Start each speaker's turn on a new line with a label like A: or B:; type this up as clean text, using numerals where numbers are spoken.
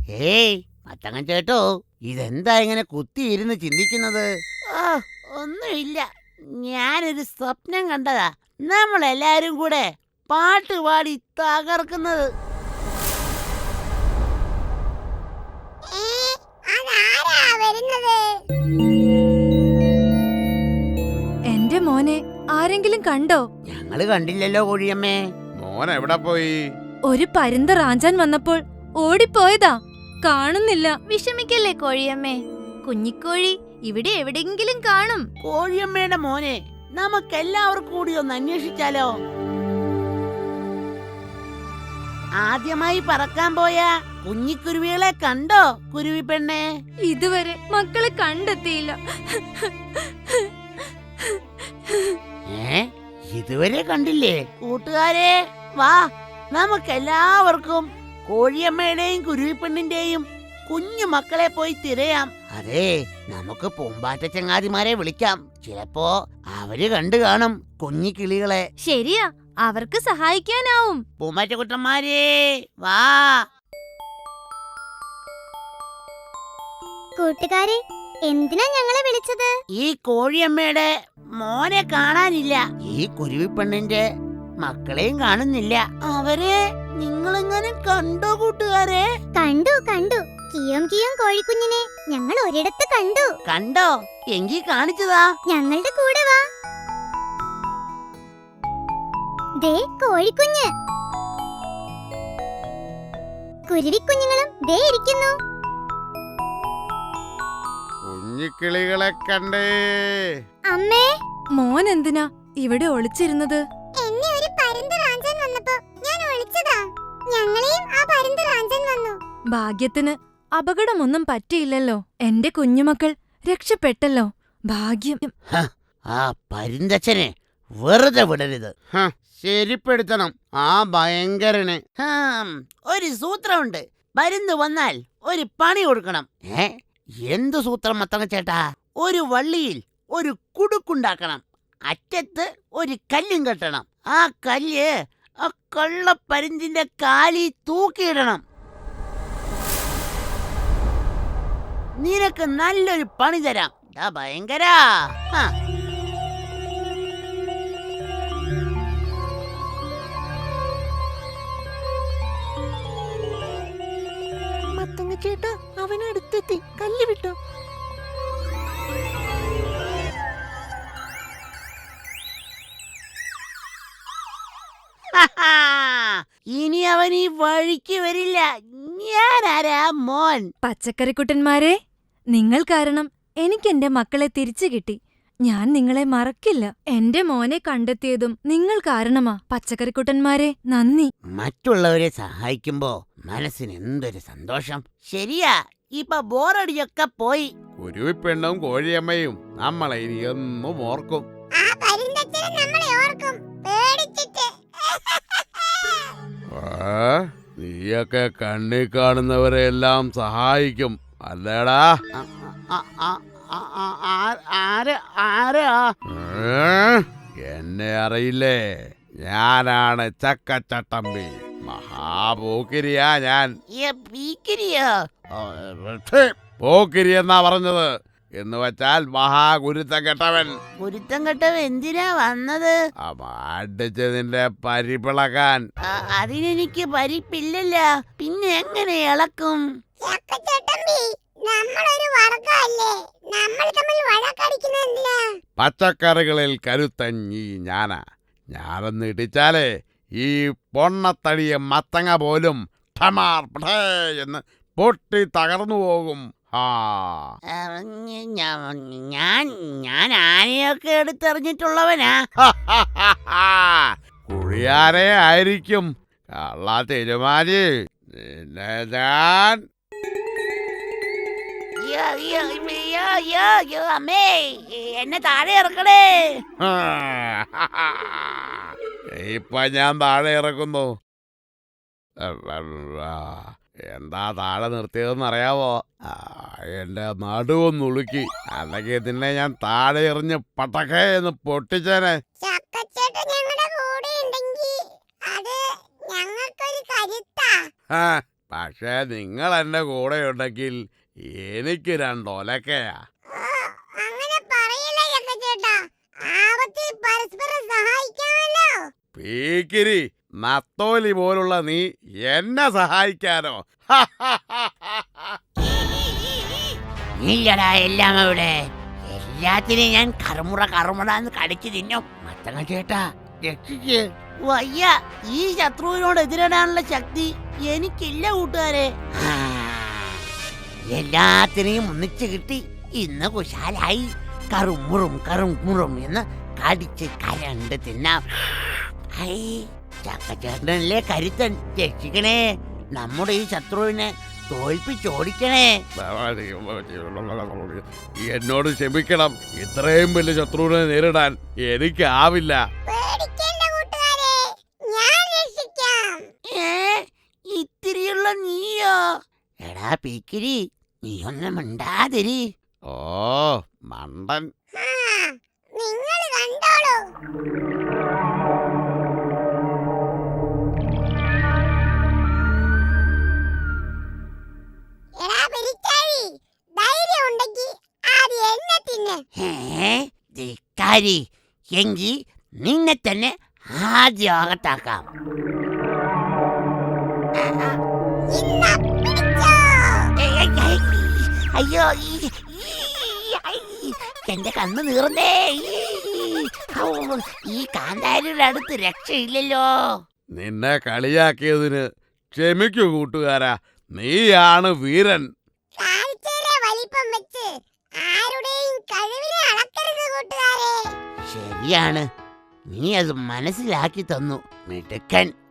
A: Hey മത്തങ്ങൻ ചേട്ടോ, ഇതെന്താ ഇങ്ങനെ കുത്തിയിരുന്ന് ചിന്തിക്കുന്നത്? ഒന്നുമില്ല, ഞാനൊരു സ്വപ്നം കണ്ടതാ. നമ്മളെല്ലാരും കൂടെ പാട്ട് പാടി തകർക്കുന്നത്.
B: എന്റെ മോനെ ആരെങ്കിലും കണ്ടോ?
A: ഞങ്ങള് കണ്ടില്ലല്ലോ കോഴിയമ്മേ.
C: മോൻ എവിടെ പോയി?
B: ഒരു പരുന്ത് റാഞ്ചാൻ വന്നപ്പോൾ ഓടിപ്പോയതാ, കാണുന്നില്ല.
D: വിഷമിക്കല്ലേ കോഴിയമ്മേ, കുഞ്ഞിക്കോഴി ഇവിടെ എവിടെയെങ്കിലും കാണും.
A: കോഴിയമ്മയുടെ മോനെ നമുക്കെല്ലാവർക്കും കൂടി ഒന്ന് അന്വേഷിച്ചാലോ? ആദ്യമായി പറക്കാൻ പോയ കുഞ്ഞിക്കുരുവികളെ കണ്ടോ കുരുവി പെണ്ണെ?
B: ഇതുവരെ മക്കളെ കണ്ടെത്തിയില്ല.
A: ഇതുവരെ കണ്ടില്ലേ? കൂട്ടുകാരെ വാ, നമുക്കെല്ലാവർക്കും കോഴിയമ്മയുടെയും കുരുവിപ്പെണ്ണിന്റെയും കുഞ്ഞു മക്കളെ പോയി തിരയാം. അതെ, നമുക്ക് പൂമ്പാറ്റ ചങ്ങാതിമാരെ വിളിക്കാം. ചിലപ്പോ അവര് കണ്ടു കാണും കുഞ്ഞിക്കിളികളെ.
D: ശരിയാ, അവർക്ക് സഹായിക്കാനാവും.
A: പൂമ്പാറ്റ കുട്ടന്മാരേ വാ.
D: കൂട്ടുകാരെ, എന്തിനാ ഞങ്ങളെ വിളിച്ചത്?
A: ഈ കോഴിയമ്മയുടെ മോനെ കാണാനില്ല, ഈ കുരുവിപ്പെണ്ണിന്റെ മക്കളെയും കാണുന്നില്ല. അവരെ നിങ്ങളെങ്ങനെ കണ്ടോ കൂട്ടുകാരെ?
D: കണ്ടു കണ്ടു, കിയോം കിയോം കോഴിക്കുഞ്ഞിനെ ഞങ്ങൾ ഒരിടത്ത് കണ്ടു.
A: കണ്ടോ? എങ്കി കാണിച്ചതാ.
D: ഞങ്ങളുടെ കൂടെ വാ. ദേ കോഴിക്കുഞ്ഞ്, കുരുവിക്കുഞ്ഞുങ്ങളും ദേ ഇരിക്കുന്നു.
C: കുഞ്ഞിക്കിളികളെ കണ്ടേ.
D: അമ്മേ,
B: മോൻ എന്തിനാ ഇവിടെ ഒളിച്ചിരുന്നത്?
D: എന്നെ ഒരു പരുന്ത് റാഞ്ചാൻ വന്നപ്പോ ഞാൻ ഒളിച്ചതാ. ഞങ്ങളെയും ആ പരുന്ത് റാഞ്ചാൻ വന്നു.
B: ഭാഗ്യത്തിന് അപകടമൊന്നും പറ്റിയില്ലല്ലോ. എന്റെ കുഞ്ഞുമക്കൾ രക്ഷപ്പെട്ടല്ലോ, ഭാഗ്യം.
A: ആ പരുന്തച്ഛനെ വെറുതെ വിടരുത്.
C: ശരിപ്പെടുത്തണം ആ ഭയങ്കരനെ.
A: ഒരു സൂത്രമുണ്ട്. പരുന്ത് വന്നാൽ ഒരു പണി കൊടുക്കണം. എന്തു സൂത്രം മത്തങ്ങ ചേട്ടാ? ഒരു വള്ളിയിൽ ഒരു കുടുക്കുണ്ടാക്കണം. അറ്റത്ത് ഒരു കല്ലും കെട്ടണം. ആ കല്ല് ആ കള്ളപ്പരുന്തിന്റെ കാലിൽ തൂക്കിയിടണം. നിനക്ക് നല്ലൊരു പണി തരാം. ഭയങ്കര മത്തങ്ങ ചേട്ടാ, അവനടുത്തെത്തി. കല്ല് വിട്ടോ. ഇനി അവൻ ഈ വഴിക്ക് വരില്ല. ഞാനാരാ മോൻ?
B: പച്ചക്കറിക്കുട്ടന്മാരെ, നിങ്ങൾ കാരണം എനിക്ക് എന്റെ മക്കളെ തിരിച്ചു കിട്ടി. ഞാൻ നിങ്ങളെ മറക്കില്ല. എന്റെ മോനെ കണ്ടെത്തിയതും നിങ്ങൾ കാരണമാ. പച്ചക്കറിക്കുട്ടന്മാരെ, നന്ദി.
A: മറ്റുള്ളവരെ സഹായിക്കുമ്പോ മനസ്സിന് എന്തൊരു സന്തോഷം. ശരിയാ, ഇപ്പൊ ബോറടിയൊക്കെ പോയി.
C: കുരുവിപ്പെണ്ണും കോഴിയമ്മയും നമ്മളെ ഇനി എന്നും ഓർക്കും. നീയൊക്കെ കണ്ണി കാണുന്നവരെ എല്ലാം സഹായിക്കും അല്ലേടാ? എന്നെ അറിയില്ലേ? ഞാനാണ് ചക്കച്ചട്ടമ്പി. മഹാപോക്കിരിയാ ഞാൻ. പോക്കിരി എന്നാ പറഞ്ഞത്. എന്ന് വെച്ചാൽ മഹാഗുരുത്തം കെട്ടവൻ.
A: ഗുരുത്തം കെട്ടവൻ എന്തിനാ വന്നത്?
C: അടിച്ചതിന്റെ പരിപ്പിളക്കാൻ.
A: അതിനെനിക്ക് പരിപ്പില്ലല്ല, പിന്നെ എങ്ങനെ ഇളക്കും?
C: പച്ചക്കറികളിൽ കരുത്തൻ ഈ ഞാനാ. ഞാനൊന്ന് ഇടിച്ചാലേ ഈ പൊണ്ണത്തടിയ മത്തങ്ങ പോലും ഠമാർ പഠേ എന്ന് പൊട്ടി തകർന്നു പോകും.
A: ഞാൻ ആനയൊക്കെ എടുത്തെറിഞ്ഞിട്ടുള്ളവനാ.
C: കുഴിയാനെ ആയിരിക്കും. കള്ള തിരുമാലി, നിന്നെ ഞാൻ.
A: അമ്മേ, എന്നെ താഴെ ഇറക്കണേ.
C: ഇപ്പൊ ഞാൻ താഴെ ഇറക്കുന്നു. എന്താ താഴെ നിർത്തിയതെന്ന് അറിയാവോ? എന്റെ നടുവൊന്നുളുക്കി. അല്ലെങ്കിൽ ഇതിനെ ഞാൻ താഴെ എറിഞ്ഞ് പട്ടക്കേ എന്ന് പൊട്ടിച്ചേനെ. പക്ഷേ നിങ്ങൾ എന്റെ കൂടെ ഉണ്ടെങ്കിൽ എനിക്ക് 2 ഒലക്കയാ.
D: അങ്ങനെ പറയില്ല ചേട്ടാ. ആപത്തിൽ പരസ്പരം സഹായിക്കാമല്ലോ.
C: പീക്കിരി, നത്തോലി പോലുള്ള നീ എന്നെ സഹായിക്കാനോ?
A: ഇല്ലടാ, എല്ലാം അവിടെ. എല്ലാത്തിനെയും ഞാൻ കറുമുറന്ന് കടിച്ചു തിന്നും. മത്തങ്ങ ചേട്ടാ, രക്ഷിക്ക്. വയ്യ, ഈ ശത്രുവിനോട് എതിരിടാനുള്ള ശക്തി എനിക്കില്ല കൂട്ടുകാരെ. എല്ലാത്തിനെയും ഒന്നിച്ച് കിട്ടി. ഇന്ന് കുശാലായി. കറുമുറും എന്ന് കടിച്ച് കരണ്ട് തിന്നാം. ചക്കച്ചേട്ടനല്ലേ കരുത്തൻ. രക്ഷിക്കണേ, നമ്മുടെ ഈ ശത്രുവിനെ തോൽപ്പിച്ചോടിക്കണേ.
C: എന്നോട് ക്ഷമിക്കണം, ഇത്രയും വലിയ ശത്രുവിനെ നേരിടാൻ എനിക്കാവില്ല.
D: പേടിക്കേണ്ട കൂട്ടുകാരെ, ഞാൻ രക്ഷിക്കാം.
A: ഇത്തിരിയുള്ള നീയോ? എടാ പീക്കിരി, നീ ഒന്നും മിണ്ടാതിരി.
C: ഓ മണ്ടൻ.
D: നിങ്ങൾ കണ്ടോളൂ. എടാ പെരിച്ചാഴി, ധൈര്യം ഉണ്ടെങ്കിൽ ആദ്യം എന്നെ തിന്ന്.
A: ധിക്കാരി, എങ്കിൽ നിന്നെ തന്നെ ആദ്യം അകത്താക്കാം.
D: ഇന്നാ പിടിച്ചോ.
A: അയ്യോ, എന്റെ കണ്ണ് നീർന്നേ. ഈ കാന്താരിയുടെ അടുത്ത് രക്ഷയില്ലല്ലോ.
C: നിന്നെ കളിയാക്കിയതിന് ക്ഷമിക്കൂ കൂട്ടുകാരാ, നീയാണ് വീരൻ.
D: കാഴ്ചയിലെ വലിപ്പം വെച്ച് ആരുടെയും കഴിവിനെ അളക്കരുത് കൂട്ടുകാരെ.
A: ശരിയാണ്, നീ അത് മനസ്സിലാക്കി തന്നു. മിടുക്കൻ.